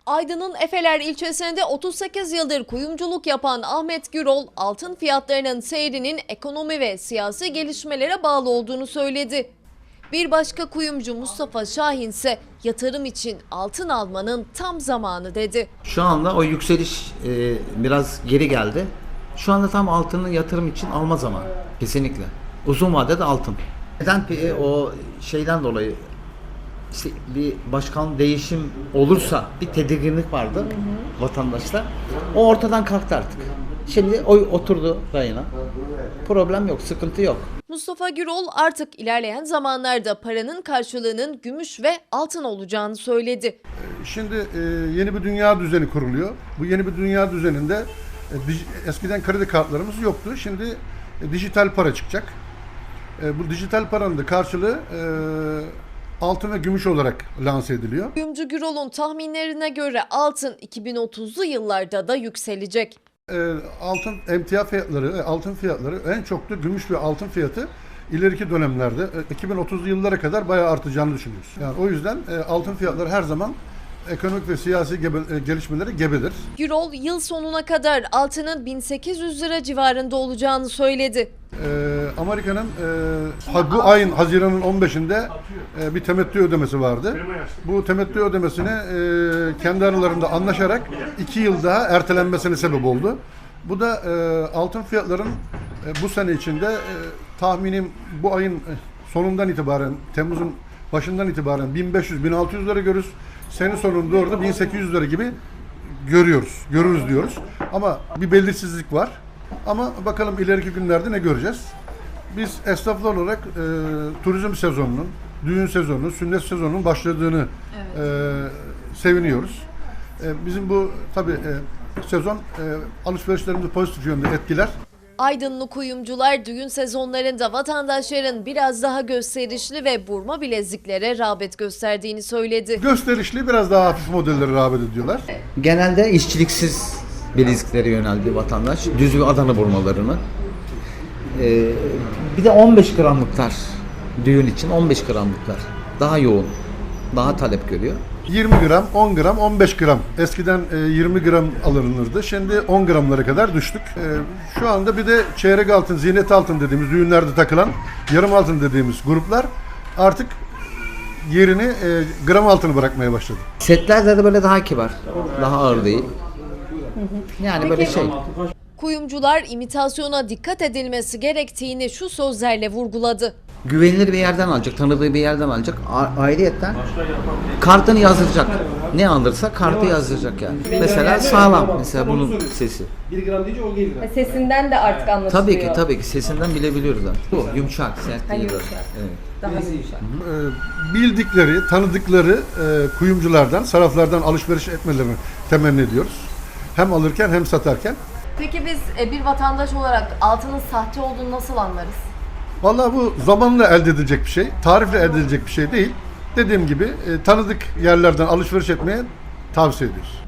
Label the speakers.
Speaker 1: Aydın'ın Efeler ilçesinde 38 yıldır kuyumculuk yapan Ahmet Gürol, altın fiyatlarının seyrinin ekonomi ve siyasi gelişmelere bağlı olduğunu söyledi. Bir başka kuyumcu Mustafa Şahin ise yatırım için altın almanın tam zamanı dedi.
Speaker 2: Şu anda o yükseliş biraz geri geldi. Şu anda tam altının yatırım için alma zamanı. Kesinlikle. Uzun vadede altın. Neden o şeyden dolayı işte bir başkan değişim olursa bir tedirginlik vardı vatandaşta. O ortadan kalktı artık. Şimdi o oturdu rayına. Problem yok, sıkıntı yok.
Speaker 1: Mustafa Gürol artık ilerleyen zamanlarda paranın karşılığının gümüş ve altın olacağını söyledi.
Speaker 3: Şimdi yeni bir dünya düzeni kuruluyor. Bu yeni bir dünya düzeninde eskiden kredi kartlarımız yoktu. Şimdi dijital para çıkacak. Bu dijital paranın da karşılığı altın ve gümüş olarak lanse ediliyor.
Speaker 1: Kuyumcu Gürol'un tahminlerine göre altın 2030'lu yıllarda da yükselecek.
Speaker 3: Altın emtia fiyatları, altın fiyatları en çok da gümüş ve altın fiyatı ileriki dönemlerde 2030'lu yıllara kadar bayağı artacağını düşünüyoruz. Yani o yüzden altın fiyatları her zaman ekonomik ve siyasi gelişmelere gebedir.
Speaker 1: Gürol yıl sonuna kadar altının 1800 lira civarında olacağını söyledi.
Speaker 3: Amerika'nın bu ayın Haziran'ın 15'inde bir temettü ödemesi vardı. Bu temettü ödemesini kendi aralarında anlaşarak 2 yıl daha ertelenmesine sebep oldu. Bu da altın fiyatların bu sene içinde tahminim bu ayın sonundan itibaren, Temmuz'un başından itibaren 1500-1600 lira görürüz. Sene sonunda doğru da 1800 lira gibi görürüz diyoruz. Ama bir belirsizlik var. Ama bakalım ileriki günlerde ne göreceğiz? Biz esnaflar olarak turizm sezonunun, düğün sezonunun, sünnet sezonunun başladığını seviniyoruz. Bizim bu tabii sezon alışverişlerimizi pozitif yönde etkiler.
Speaker 1: Aydınlı kuyumcular düğün sezonlarında vatandaşların biraz daha gösterişli ve burma bileziklere rağbet gösterdiğini söyledi.
Speaker 3: Gösterişli biraz daha hafif modellere rağbet ediyorlar.
Speaker 2: Genelde işçiliksiz bileziklere yöneldi vatandaş. Düz ve Adana burmalarını. Bir de 15 gramlıklar düğün için 15 gramlıklar daha yoğun, daha talep görüyor.
Speaker 3: 20 gram, 10 gram, 15 gram. Eskiden 20 gram alınırdı. Şimdi 10 gramlara kadar düştük. Şu anda bir de çeyrek altın, ziynet altın dediğimiz düğünlerde takılan yarım altın dediğimiz gruplar artık yerini gram altını bırakmaya başladı.
Speaker 2: Setlerde de böyle daha kibar, daha ağır değil. Yani böyle şey.
Speaker 1: Kuyumcular imitasyona dikkat edilmesi gerektiğini şu sözlerle vurguladı.
Speaker 2: Güvenilir bir yerden alacak, tanıdığı bir yerden alacak. Ayrıyetten kartını yazdıracak. Ne alırsa kartı yazdıracak yani. Mesela sağlam. Mesela bunun sesi.
Speaker 4: 1 gram deyince o gelir.
Speaker 5: Sesinden de artık anlaşılıyor.
Speaker 2: Tabii ki sesinden bilebiliyoruz artık. Bu yumuşak, sert değil.
Speaker 5: Yumuşak.
Speaker 2: Evet.
Speaker 5: Daha yumuşak.
Speaker 3: Bildikleri, tanıdıkları kuyumculardan, saraflardan alışveriş etmelerini temenni ediyoruz. Hem alırken hem satarken.
Speaker 1: Peki biz bir vatandaş olarak altının sahte olduğunu nasıl anlarız?
Speaker 3: Vallahi bu zamanla elde edilecek bir şey, tarifle elde edilecek bir şey değil. Dediğim gibi tanıdık yerlerden alışveriş etmeye tavsiye ediyoruz.